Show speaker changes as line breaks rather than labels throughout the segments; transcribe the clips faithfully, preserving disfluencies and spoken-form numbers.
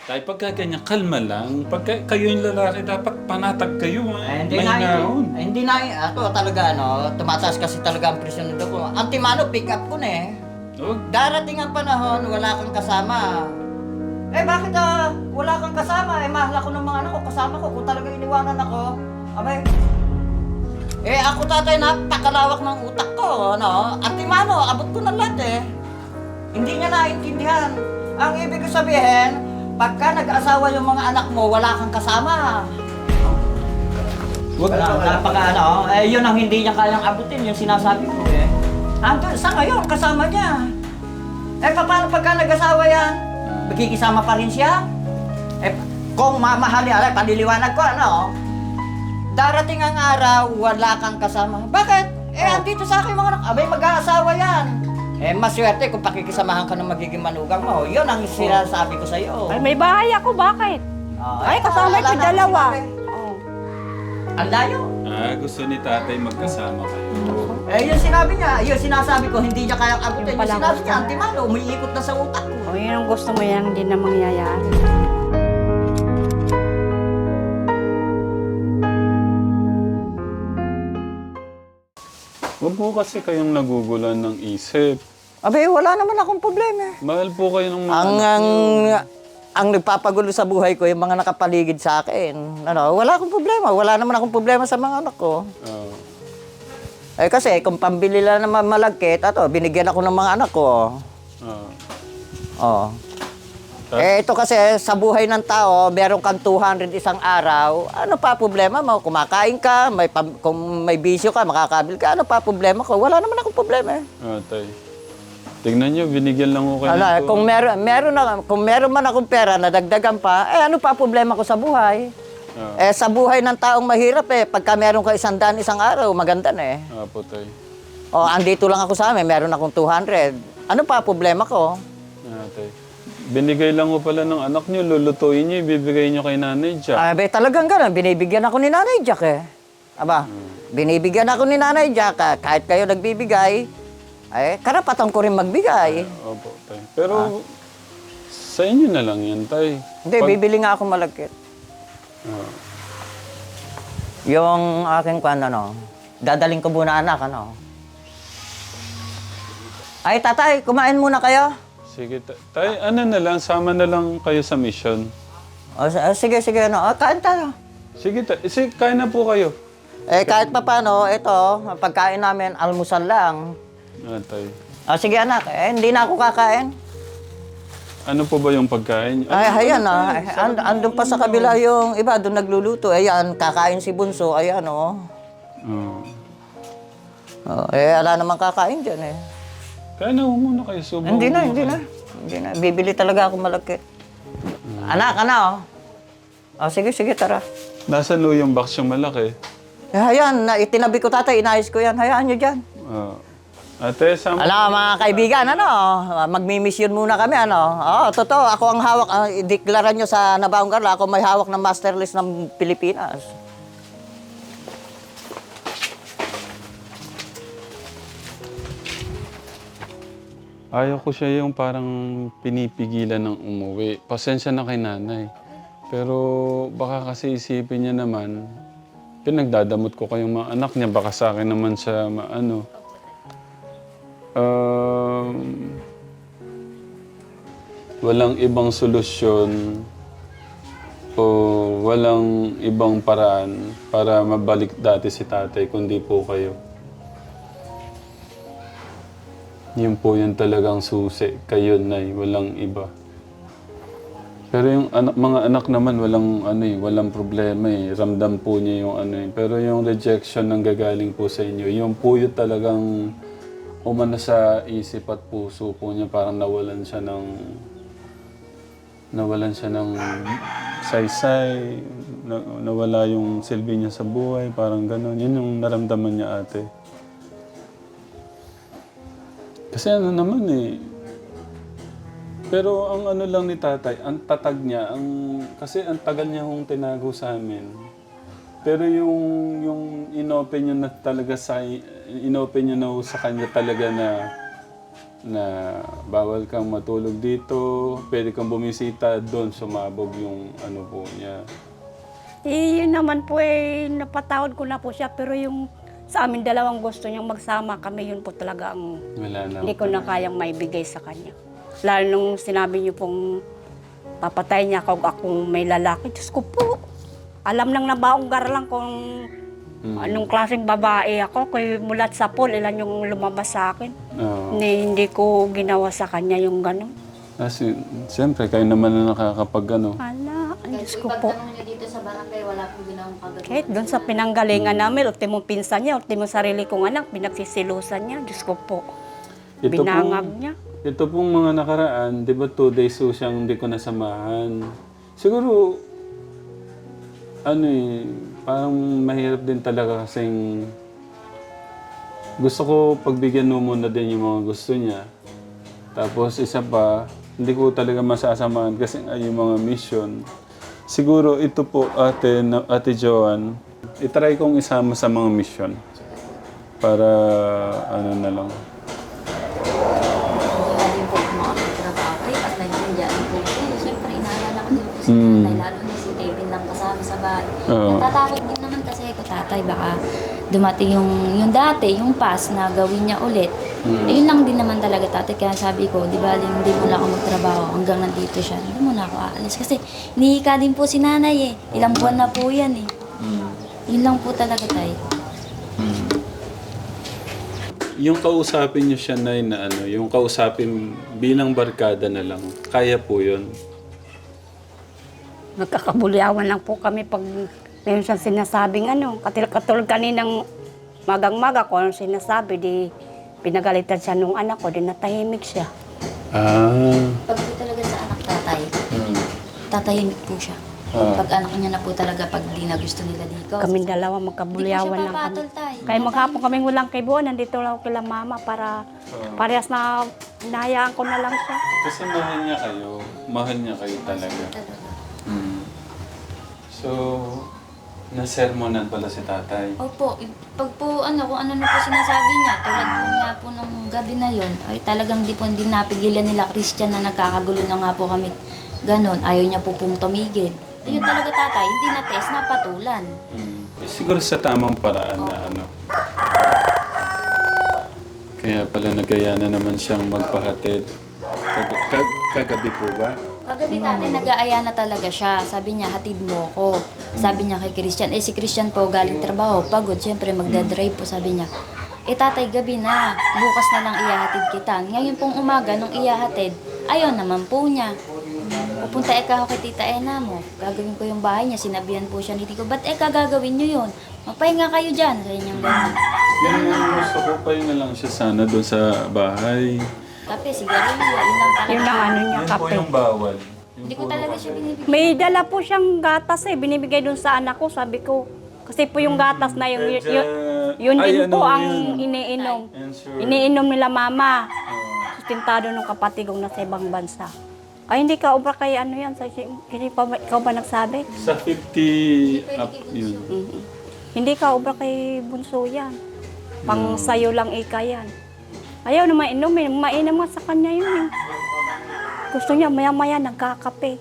Tay, pagka ganyan, kalma lang. Pagka kayo yung lalaki, dapat panatag kayo.
Eh,
Eh.
hindi
May
na
naon.
eh, hindi na eh. Ako talaga ano, tumataas kasi talaga ang presyon nito ko. Antimano, pick up ko na eh.
Huwag.
Darating ang panahon, wala kang kasama. Eh bakit ah, wala kang kasama? Eh mahal ako ng mga anak ko, kasama ko. Kung talaga iniwanan ako, abay. Eh ako tatay, napakalawak ng utak ko, ano? Antimano, abot ko na lahat eh. Hindi niya naintindihan. Ang ibig ko sabihin, pagka nag-asawa yung mga anak mo, wala kang kasama.
Huwag.
Wala, napaka ano, eh yun ang hindi niya kayang abutin, yung sinasabi ko eh. Ando, sa ngayon, kasama niya. Eh paano pagka nag-asawa yan? Magkikisama pa rin siya? Eh, kung mamahalin, alay, panliliwanag ko, ano? Darating ang araw, wala kang kasama. Bakit? Eh, andito sa akin mga anak, abay mag-aasawa yan. Eh, maswerte kung pakikisamahan ka ng magiging manugang mo. Yun ang sinasabi ko sa'yo.
Ay, may bahay ako, bakit?
Oh,
Ay,
eh,
kasama
wala
ko
na
dalawa.
sinabi.
Oh.
Ang layo.
Ah, gusto ni tatay magkasama kayo.
Eh, yung sinabi niya, yung sinasabi ko, hindi niya kayang abutin.
Yung
Yung
pala
sinabi
gusto
niya,
niya.
antimano, umiikot na sa utak ko.
Oh, yun ang gusto mo yan, hindi na mangyayari.
Huwag po kasi kayong nagugulan ng isip.
Abe, wala naman akong problema.
Mahal po kayo ng mga
Ang,
anak
ang,
niyo.
ang nagpapagulo sa buhay ko, yung mga nakapaligid sa akin. Ano, wala akong problema. Wala naman akong problema sa mga anak ko.
Ah.
Eh kasi, kung pambili lang naman malagkit, ato, binigyan ako ng mga anak ko.
Ah.
Oh.
Tas-
Eh, ito kasi, sa buhay ng tao, meron kang two hundred isang araw. Ano pa problema mo? Kumakain ka, may pam- kung may bisyo ka, makakabil ka, ano pa problema ko? Wala naman akong problema eh.
Ah, tay. Tingnan niyo, binigyan lang ko kayo
Ala,
nito.
kung meron, meron na, kung meron man akong pera na dagdagan pa, eh ano pa problema ko sa buhay?
Ah.
Eh sa buhay ng taong mahirap eh, pagka meron ka isang daan isang araw, maganda na eh.
Ah, po, tay.
O andito lang ako sa amin, meron akong two hundred. Ano pa problema ko?
Ah, tay. Binigay lang ko pala ng anak niyo, lulutuin niyo, ibibigay niyo kay Nanay Jack.
Ah, be, talagang ganun, binibigyan ako ni Nanay Jack eh. Aba, binibigyan ako ni Nanay Jack, ah, kahit kayo nagbibigay, eh karapatan ko rin magbigay.
Opo, tay. Pero sa inyo na lang yan, tay.
Hindi,
Pag-
bibili nga ako malagkit.
Ah.
Yung aking kwan, ano, dadaling ko muna anak, ano. Ay, tatay, kumain muna kayo.
Sige, tay. Tay, ano na lang, sama na lang kayo sa mission.
O, s- ah, sige, sige, ano, ah, kain tayo.
Sige, tay. Sige, kain na po kayo.
Eh, kahit pa paano, ito, ang pagkain namin, almusal lang.
Ah, tay.
O, sige anak, eh, hindi na ako kakain.
Ano po ba yung pagkain?
Ay, ayan ah, eh, and, andun pa sa kabila yung iba, doon nagluluto. Ayan, kakain si Bunso, ayan oh.
Oh.
Oh, eh, wala namang kakain dyan eh.
Kaya na muna kayo, subo.
Hindi na, hindi na. Hindi na, bibili talaga ako malagkit. Anak, ano oh. O, sige, sige, tara.
Nasaan no yung box yung malaki?
Eh, ayan, na, itinabi ko tatay, inayos ko yan. Hayaan nyo dyan.
Ah. Ate, sama.
Ano, mga kaibigan, ano, magmi-mission muna kami, ano. Oo, totoo, ako ang hawak, uh, deklara nyo sa Nabaong Garla, ako may hawak ng master list ng Pilipinas.
Ayaw ko siya yung parang pinipigilan ng umuwi. Pasensya na kay nanay. Pero baka kasi isipin niya naman, pinagdadamot ko kayong mga anak niya, baka sa akin naman siya maano. Um, walang ibang solusyon o walang ibang paraan para mabalik dati si tatay kundi po kayo. Yun po yung talagang susi. Kayo, Nay. Walang iba. Pero yung anak, mga anak naman, walang, ano eh, walang problema eh. Ramdam po niya yung ano eh. Pero yung rejection ng gagaling po sa inyo, yung po yung talagang umano sa isip at puso po niya. Parang nawalan siya ng... Nawalan siya ng saysay. Na, nawala yung silbi niya sa buhay. Parang gano'n. Yun yung naramdaman niya, ate. Kasi ano naman eh. Pero ang ano lang ni tatay, ang tatag niya, ang, kasi ang tagal niya hong tinago sa amin. Pero yung, yung inopen niya na talaga sa, inopen niya na ho sa kanya talaga na na bawal kang matulog dito, pwede kang bumisita doon, sumabog yung ano po niya.
Eh, yun naman po eh, napatawad ko na po siya. Pero yung sa amin dalawang gusto niyang magsama kami, yun po talaga ang
Wala na.
hindi ko na kayang maibigay sa kanya. Lalo nung sinabi niyo pong papatay niya ako akong may lalaki. Diyos ko po, alam nang nabaonggar lang kung
Mm.
anong klaseng babae ako. Kaya mulat sa pool, ilan yung lumabas sa akin.
Oo.
Ni, hindi ko ginawa sa kanya yung gano'n.
Kasi, siyempre, kayo naman na nakakapag ano.
Ala, ang
Kahit
Diyos
po
ko po.
ipagtanong niyo dito sa barangay, wala pong ginawang kagagawa.
Kahit doon sa pinanggalingan namin, ultimo pinsan niya, ultimo sarili kong anak, pinagsisilusan niya. Diyos ko po.
Ito
Binangag
pong-
niya.
Ito pong mga nakaraan, di ba two days so siyang hindi ko nasamahan. Siguro, ano eh, parang mahirap din talaga kasing gusto ko pagbigyan mo muna din yung mga gusto niya. Tapos isa pa, hindi ko talaga masasamahan kasi nga yung mga mission. Siguro ito po, ate, na- ate Joanne, itry kong isama sa mga mission. Para ano na lang.
Wala din po kung makapagtrabaho kayo at nagsindihan po kayo. Siyempre, inaalala ko din po si
Mm.
tatay, lalo na si Kevin lang kasama sa bahay.
Oo.
Natatakot din naman kasi ako, tatay, baka dumating yung, yung dati, yung past na gawin niya ulit.
Mm.
Eh, yun lang din naman talaga, tatay. Kaya sabi ko, di ba, hindi mo na ako magtrabaho hanggang nandito siya. Hindi mo na ako aalis. Kasi nihika din po si nanay eh. Ilang buwan na po yan eh.
Mm.
Yun lang po talaga, tay.
Yung kausapin niyo siya na na ano, yung kausapin bilang barkada na lang, kaya po yun.
Nagkakabulyawan lang po kami pag meron siyang sinasabing ano. Katil- Katulad kaninang magang-maga ko anong sinasabi, di pinagalitan siya nung anak ko, di natahimik siya.
Ah.
Pag po talaga sa anak tatay, tatahimik po siya.
Ah.
Pag anak niya na po talaga, pag di na gusto nila dito.
Kaming dalawa
Hindi po
magkabulyawan
siya
lang kami.
papatol, tay.
Kaya maghapon kaming walang kaibuan, nandito lang ako kila mama para parehas na hinahayaan ko na lang siya.
Kasi mahal niya kayo. Mahal niya kayo talaga.
Talaga.
Mm. So, nasermonan pala si tatay.
Opo, i- pag po ano, kung ano na po sinasabi niya, tulad po nga po nung gabi na yon, ay talagang di po hindi napigilan nila Christian na nagkakagulo na nga po kami. Ganon, ayaw niya po pong tumigil. Ayun talaga, tatay, hindi na test, napatulan.
Mm. Eh, siguro sa tamang paraan na ano. Kaya pala nagaya na naman siyang magpahatid. Kag- kag- kagabi po ba?
Kagabi tatay, nag-aaya na talaga siya. Sabi niya, hatid mo ko. Sabi niya kay Christian, eh si Christian po galing trabaho, pagod, siyempre magdadrive po, sabi niya. Eh tatay, gabi na, bukas na lang iyahatid kita. Ngayon pong umaga, nung iyahatid, ayaw naman po niya. Pupunta eka ako kay Tita Ena mo. Gagawin ko yung bahay niya. Sinabihan po siya ni Tito, ba't eka gagawin niyo yun? Mapahinga kayo dyan. Sa inyong gano'n.
Yan yung gusto ko pa yun na lang siya sana doon sa bahay.
Kape, sigarilyo, yun lang talaga.
Yun lang ano niya,
Yan po
kape.
yung bawal. Yung
Hindi ko
puro
talaga
kape.
siya binibigyan.
May dala po siyang gatas eh, binibigay dun sa anak ko, sabi ko. Kasi po yung gatas na yung, yun, yun, yun
Ay,
din po
ano,
ang
yun.
iniinom.
Ensure.
Iniinom nila mama.
Ah.
Sustentado ng kapatid kong nasa ibang bansa. Ay, hindi ka obra kay ano yan. Sa, hindi pa, ba- ikaw ba nagsabi?
Sa fifty up yun.
Mhm. Hindi ka obra kay Bunso yan. Pang
Hmm.
sayo lang ika yan. Ayaw na mainom eh. Mainam nga sa kanya yun eh. Gusto niya maya-maya nagkakape.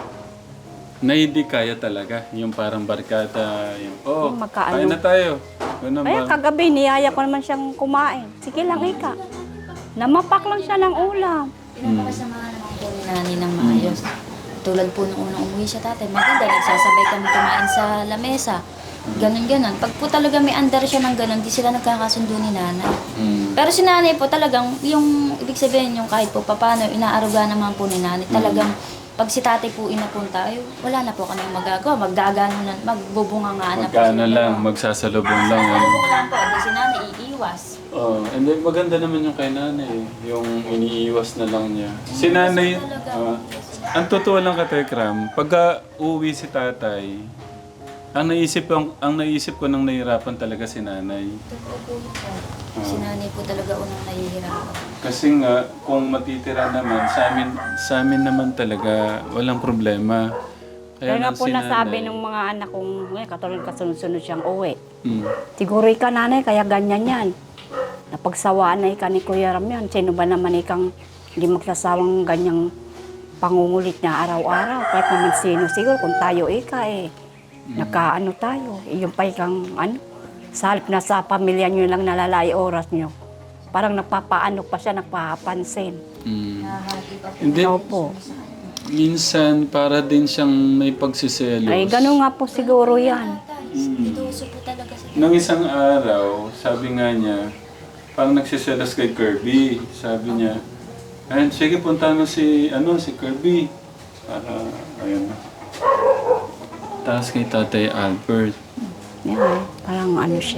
Na hindi kaya talaga. Yung parang barkada. Yung, oh,
Yung magkaano.
kain na tayo. Ganun
Ay,
ba?
kagabi, niyaya ko naman siyang kumain. Sige lang, ika. Namapak lang siya ng ulam.
Pinapakasamahan naman po ni Nani ng maayos. Tulad po nung unang umuwi siya tatay, maganda, nagsasabay kami kumain sa lamesa. Ganon, ganon. Pag po talaga may andar siya ng ganon, di sila nagkakasundo ni nanay.
Mm.
Pero si nanay po talagang, yung ibig sabihin yung kahit po papano, inaaruga naman po ni nanay. Talagang, pag si tatay po inapunta, ay wala na po kami magagawa. Magdagano na, magbubunga nga na po.
Magkano
sila.
lang, magsasalubong lang. Ano.
Magbubunga lang po, di si nanay iiwas.
Oh, and then maganda naman yung kay nanay. Yung iniiwas na lang niya. Si nanay, ah, ang totoo lang ka, Tekram, pagka uwi si tatay, ang naisip, ang, ang naisip ko nang nahihirapan talaga si nanay.
Totoo po yun po. Si nanay po talaga unang nahihirapan.
Kasi nga, kung matitira naman, sa amin, sa amin naman talaga, walang problema.
Kaya nga
lang
po
si
nasabi
nanay-
ng mga anak kong, eh, katulad kasunod-sunod siyang uwi.
Mm.
Siguro ikaw nanay, kaya ganyan yan. napagsawaan na ika ni Kuya Ram yan. Sino ba naman ikang hindi magsasawang ganyang pangungulit niya araw-araw. Kahit naman sino siguro kung tayo ika eh. Nakaano tayo. Eh, yung pa ikang ano, sa halip na sa pamilya nyo lang nalalay oras nyo. Parang napapaano pa siya, nagpapansin.
Mm.
Nahahati pa po.
Hindi,
Opo.
minsan para din siyang may pagsiselos.
Ay, gano'n nga po siguro yan.
Dito uso po talaga sila.
Nung isang araw, sabi nga niya, parang nagsiselos kay Kirby. Sabi niya, ayun, sige, punta mo si, ano, si Kirby. Para, ayun na. Tapos kay Tatay Albert.
Yan, parang ano siya.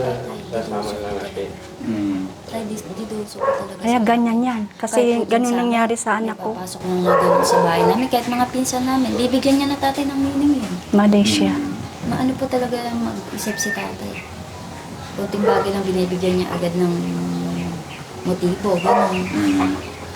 Mm.
Tay, dito dito uso po talaga
Kaya
sila.
ganyan yan. Kasi
Kahit po
ganun
minsan,
nangyari sa anak ko.
Papasok na nga ganun sa bahay namin. Kahit mga pinsan namin, bibigyan niya na tatay ng meaning yun.
Malaysia.
Maano po talaga mag-isip si tatay. Kunting bagay lang binibigyan niya agad ng motibo, gano'n.
Mm.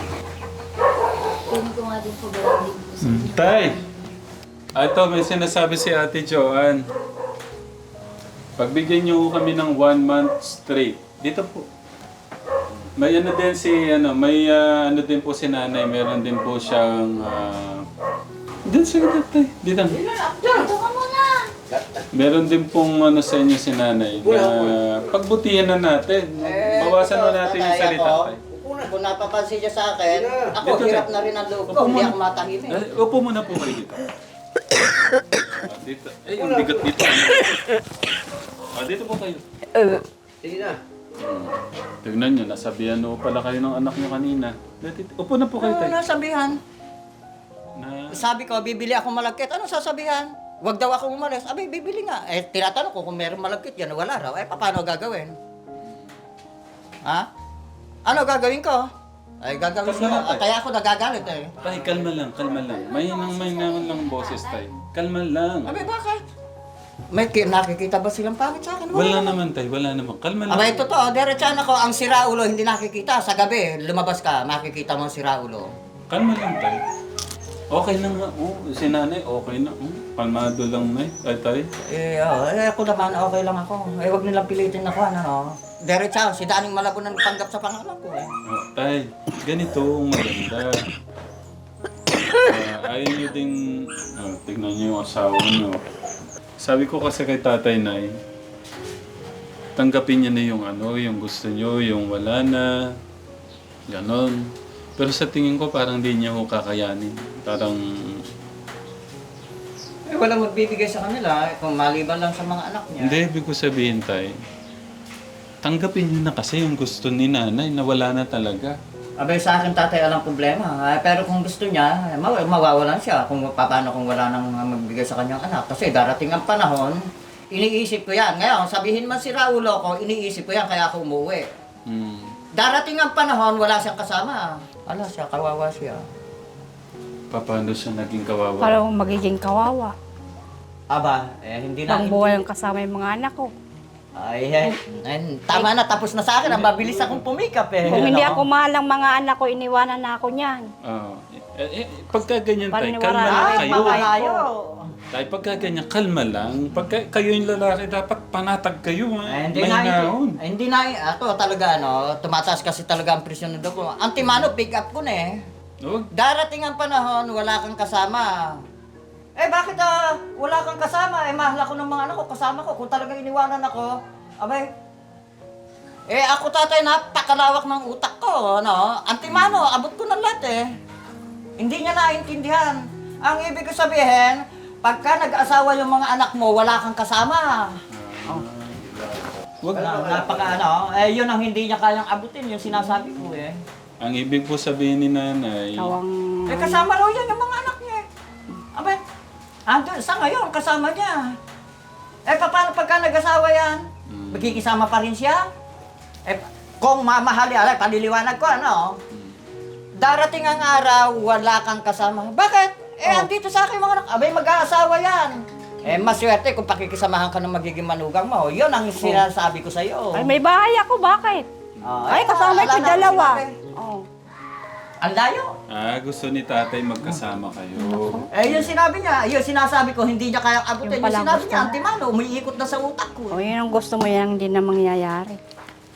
Kunin ko nga din po ba din po sa
Mm.
inyo.
Tay! Ah, ito, may sinasabi si Ate Joanne. Pagbigyan niyo kami ng one month straight. Dito po. May ano din si, ano, may ah, ano din po si nanay. Meron din po siyang, ah... dito, sige, Tay. Dito.
Dito ka muna!
Meron din pong ano sa inyo si nanay. Na pagbutihan na natin. Bawasan na natin yung salita, Tay.
Kung napapansin niya sa akin, ako
Dito,
hirap
Tay.
na rin ang loob
Upo
ko, hindi
muna.
ako matahimik.
Ah, upo muna po kayo dito. Ah, dito. Eh, yung bigat dito. Ah, dito po kayo.
Sige na.
Tignan nyo, nasabihan mo pala kayo ng anak nyo kanina. Dito, upo na po kayo,
Ano
Tay.
nasabihan?
Na,
Sabi ko, bibili ako malagkit. Ano sasabihan? Huwag daw ako umalis. Abay, bibili nga. Eh, tinatanong ko kung meron malagkit yan, wala raw. Eh, paano gagawin? Ha? Ano gagawin ko? Ay, gagawin ko.
Kalma na, Tay.
Kaya ako nagagalit eh.
Tay, kalma lang, kalma lang. May nang may naman lang boses, Tay. Kalma lang.
Abay, bakit? May ki- nakikita ba silang pangit sa akin?
Wala naman, Tay. Wala naman. Kalma lang.
Abay, totoo. Diretsahan ako. Ang siraulo hindi nakikita. Sa gabi, lumabas ka, makikita mo ang siraulo.
Kalma lang, Tay. Okay lang nga. Oh, si nanay, okay na. Oh, kalmado lang, Nay. Ay, Tay.
Eh, oh, eh, ako naman, okay lang ako. Eh, huwag nilang pilitin ako, ano, no? Diretsahan, si Daning Malabo na tanggap sa pangalan ko, eh.
Oh, Tay, ganito ang maganda. Ah, ayaw nyo ding... Oh, tignan nyo yung asawa nyo. Sabi ko kasi kay Tatay Nay, tanggapin niya na yung ano, yung gusto nyo, yung wala na, ganon. Pero sa tingin ko parang di niya ko kakayanin. Parang,
Eh, walang magbibigay sa kanila, eh, kung maliban lang sa mga anak niya.
hindi, ibig ko sabihin, Tay, tanggapin niyo na kasi yung gusto ni nanay na wala na talaga.
Abay, sa akin, tatay, alang problema. Eh, pero kung gusto niya, eh, maw- mawawalan siya kung paano kung wala nang magbigay sa kanyang anak. Kasi darating ang panahon, iniisip ko yan. Ngayon, sabihin man si Raulo ko, iniisip ko yan, kaya ako umuwi.
Hmm.
Darating ang panahon, wala siyang kasama. Ala siya, kawawa siya.
Paano siya naging kawawa?
Parang magiging kawawa.
Aba, eh, hindi na...
Pang buhay ang kasama yung mga anak ko.
Ay, eh, eh, tama na, tapos na sa akin. Ang mabilis akong pumikap eh.
Kung hindi
Ano?
ako mahal ng mga anak ko, iniwanan na ako niyan.
Ah, eh, eh, pagka ganyan, Tay,
Paniniwala
kalma
na
lang
Ay,
kayo.
mamalayo.
Tay, pagka ganyan, kalma lang. Pagka kayo yung lalaki, dapat panatag kayo. Ha?
Eh, hindi
May
na,
naon.
hindi, eh, hindi na, ako talaga, ano, tumataas kasi talaga ang presyon ng dugo. Antimano, pick up ko na eh.
Huwag.
Darating ang panahon, wala kang kasama. Eh, bakit ah, wala kang kasama? Eh, mahal ako ng mga anak ko, kasama ko. Kung talagang iniwanan ako, abay, eh, ako tatay, napakalawak ng utak ko, ano? Antimano, abot ko ng lahat eh. Hindi niya naintindihan. Ang ibig ko sabihin, pagka nag-asawa yung mga anak mo, wala kang kasama.
Huwag.
Wala, napaka ano, eh, yun ang hindi niya kayang abutin, yung sinasabi ko eh.
Ang ibig po sabihin ni nanay,
Kawang...
Eh, kasama raw yan yung mga anak niya eh. Abay, andun, sa ngayon, kasama niya. Eh, paano pagka nag-asawa yan?
Mm.
Magkikisama pa rin siya? Eh, kung mamahali, alay, paliliwanag ko, ano? Darating ang araw, wala kang kasama. Bakit? Eh,
Oh.
andito sa akin mga anak. Abay, mag-aasawa yan. Eh, maswerte kung pakikisamahan ka ng magiging manugang mo. Yun ang sinasabi ko sa'yo.
Ay, may bahay ako, bakit?
Oh,
Ay,
eh,
kasama
wala
ko
na
dalawa.
sinabi.
Oh.
Ang layo.
ah, gusto ni tatay magkasama kayo.
Eh, yung sinabi niya, yung sinasabi ko, hindi niya kayang abutin.
Yung
Yung,
palang
sinabi
gusto
niya,
niya.
antimano, umiikot na sa utak ko.
Oh, yun ang gusto mo yan, hindi na mangyayari.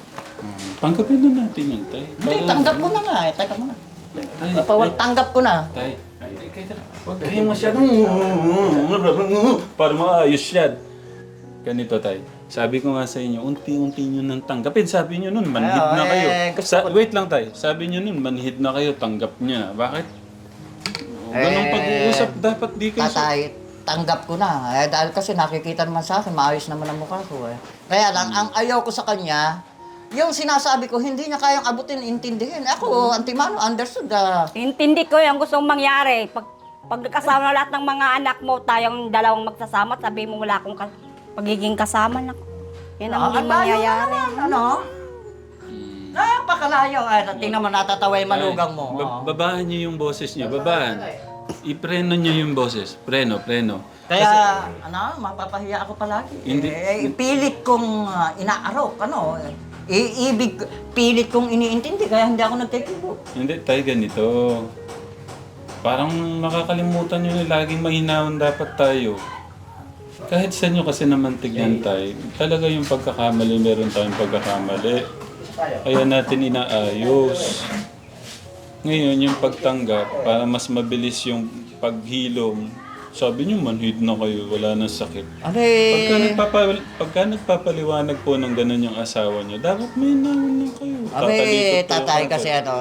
Tanggapin na natin yun, tay.
Hindi,
Para-
tanggap ko na nga eh. Teka muna.
Tay,
Pawag, tanggap ko na.
tay. Ay, tay, kaya Huwag kayong masyadong... Para maayos yan. Ganito, tay. Sabi ko nga sa inyo, unti-unti nyo nang tanggapin. Sabi nyo nun, manhid
Ay,
na
eh,
kayo.
gusto
Sa,
ko-
wait lang, tay. Sabi nyo nun, manhid na kayo, tanggap nyo na. Bakit? O, ganong
Eh,
pag-uusap, dapat di kayo... sa-
Tatay, tanggap ko na. Eh, dahil kasi nakikita naman sa akin, maayos naman ang mukha ko eh. Kaya lang, ang ayaw ko sa kanya, yung sinasabi ko, hindi niya kayang abutin, intindihin. Ako, Antimano, understood ah.
Intindi ko yung gusto mong mangyari. Pag, pag kasama lahat ng mga anak mo, tayong dalawang magsasama, sabi mo wala akong ka- pagiging kasama na. Yan ang hindi
Ah, ang layo
mangyayari.
naman, Ano? Napakalayo. Ay, tingnan mo, natatawa yung manugang mo.
Ba-
Oo.
babaan nyo yung boses nyo, babaan. Ipreno nyo yung boses. Preno, preno.
Kaya, ano, mapapahiya ako palagi.
Hindi-
Eh, pilit kong ah, inaarok, ano. Iibig, pilit kong iniintindi, kaya hindi ako nagkikibo.
Hindi, tay, ganito. Parang nakakalimutan nyo na laging mahinahon dapat tayo. Kahit sa inyo kasi naman tignan tayo, talaga yung pagkakamali, meron tayong pagkakamali. Kaya natin inaayos. Ngayon, yung pagtanggap, para mas mabilis yung paghilom, sabi nyo, manhid na kayo, wala nang sakit.
Aray,
Pagka, nagpapa, pagka nagpapaliwanag po ng ganun yung asawa nyo, dapat may naman lang kayo.
aray,
Tatalikod po
tatay
agad.
kasi ano,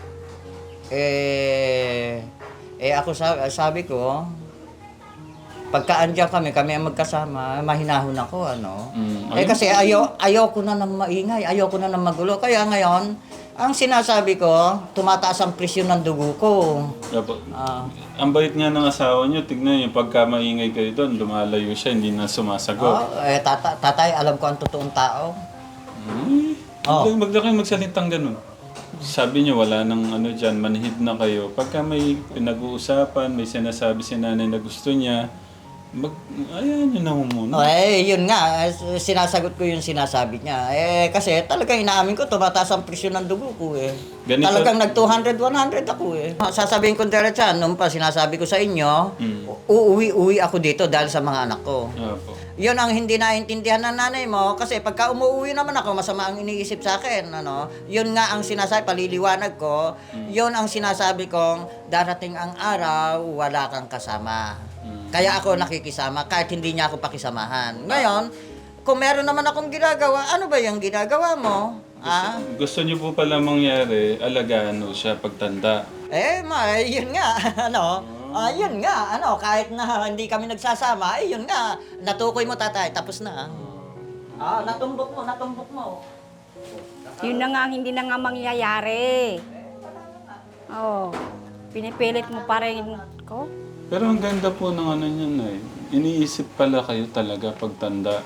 eh, eh ako sabi, sabi ko, pagka andyan kami, kami ang magkasama, mahinahon ako, ano.
Mm,
Eh
ayun.
kasi ayaw, ayaw ko na ng maingay, ayaw ko na ng magulo. Kaya ngayon, ang sinasabi ko, tumataas ang presyon ng dugo ko.
Dapat,
Ah,
ang bait nga ng asawa nyo, tignan nyo, pagka maingay kayo doon, lumalayo siya, hindi na sumasagot.
oh, eh, tata, tatay, alam ko ang totoong tao.
Hmm.
Oh.
Huwag na kayo magsalitang ganun. Sabi niyo, wala nang ano dyan, manhid na kayo. Pagka may pinag-uusapan, may sinasabi si nanay na gusto niya, mag, ayan nyo na ho muna.
Oh, eh, yun nga, eh, sinasagot ko yung sinasabi niya. Eh, kasi talagang inaamin ko, tumataas ang presyon ng dugo ko eh.
Ganito-
Talagang nag two hundred, one hundred ako eh. Sasabihin ko diretso, nung pa sinasabi ko sa inyo,
Mm.
uuwi-uwi ako dito dahil sa mga anak ko.
Opo.
Yun ang hindi naintindihan ng nanay mo kasi pagka umuwi naman ako, masama ang iniisip sa akin. Ano? Yun nga ang sinasabi, paliliwanag ko, yun ang sinasabi kong darating ang araw, wala kang kasama. Kaya ako nakikisama kahit hindi niya ako pakisamahan. Ngayon, kung meron naman akong ginagawa, ano ba yung ginagawa mo? Ah?
Gusto niyo po pala mangyari, alagaan mo siya pagtanda.
Eh, ma, eh, yun nga, ano, ah, yun nga, ano, kahit na hindi kami nagsasama, eh, yun nga, natukoy mo tatay, tapos na. Ah, natumbok mo, natumbok mo.
Yun na nga ang hindi na nga mangyayari. Oo. Pinipilit mo pa rin ko.
Pero ang ganda po ng ano niyan eh. Iniisip pala kayo talaga pagtanda.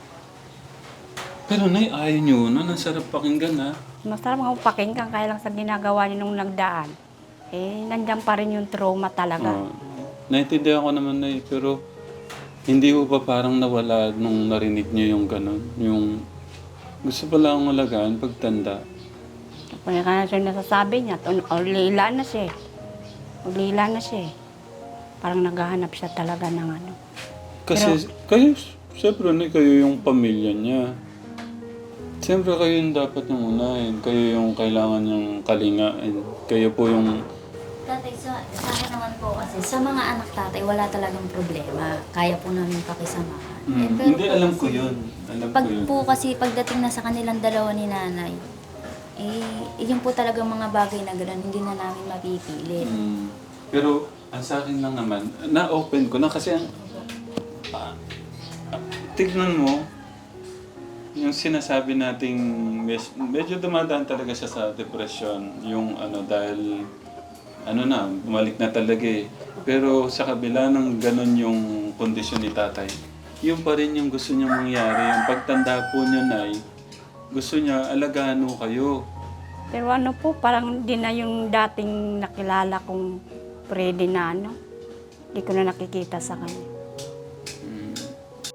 Pero nay, ayaw niyo na. Ang sarap pakinggan ha.
Masarap nga pakinggan kaya lang sa ginagawa niyo nung nagdaan. Eh, nandiyan pa rin yung trauma talaga.
Oh, naintindihan ko naman na pero hindi ko pa parang nawala nung narinig niyo yung ganun. Yung gusto pala akong alagaan pagtanda.
Kaya ka na siya nasasabi niya, o lila na siya. O lila na siya. Parang naghahanap siya talaga ng ano.
Kasi kayo, siyempre na kayo yung pamilya niya. Siyempre kayo yung dapat yung unahin. Kayo yung kailangan yung kalingain. Kayo po yung...
Tatay, sa, sa akin naman po kasi, sa mga anak tatay, wala talagang problema. Kaya po namin pakisamahan. Eh,
Mm,
pero
hindi,
po
alam
kasi,
ko yun. Alam
Pag
ko yun.
po kasi pagdating na sa kanilang dalawa ni nanay, eh, yun po talagang mga bagay na gano'n, hindi na namin mapipilit.
Mm. Pero ang sa akin lang naman, na-open ko na kasi ang... ah, ah, tignan mo, yung sinasabi nating mes- medyo dumadaan talaga siya sa depression. Yung ano, dahil ano na, bumalik na talaga eh. Pero sa kabila ng ganon yung kondisyon ni tatay, yun pa rin yung gusto niyang mangyari. Yung pagtanda po niya, Nay, gusto niya alagaan mo kayo.
Pero ano po, parang hindi na yung dating nakilala kong Freddy na ano. Hindi ko na nakikita sa kanya.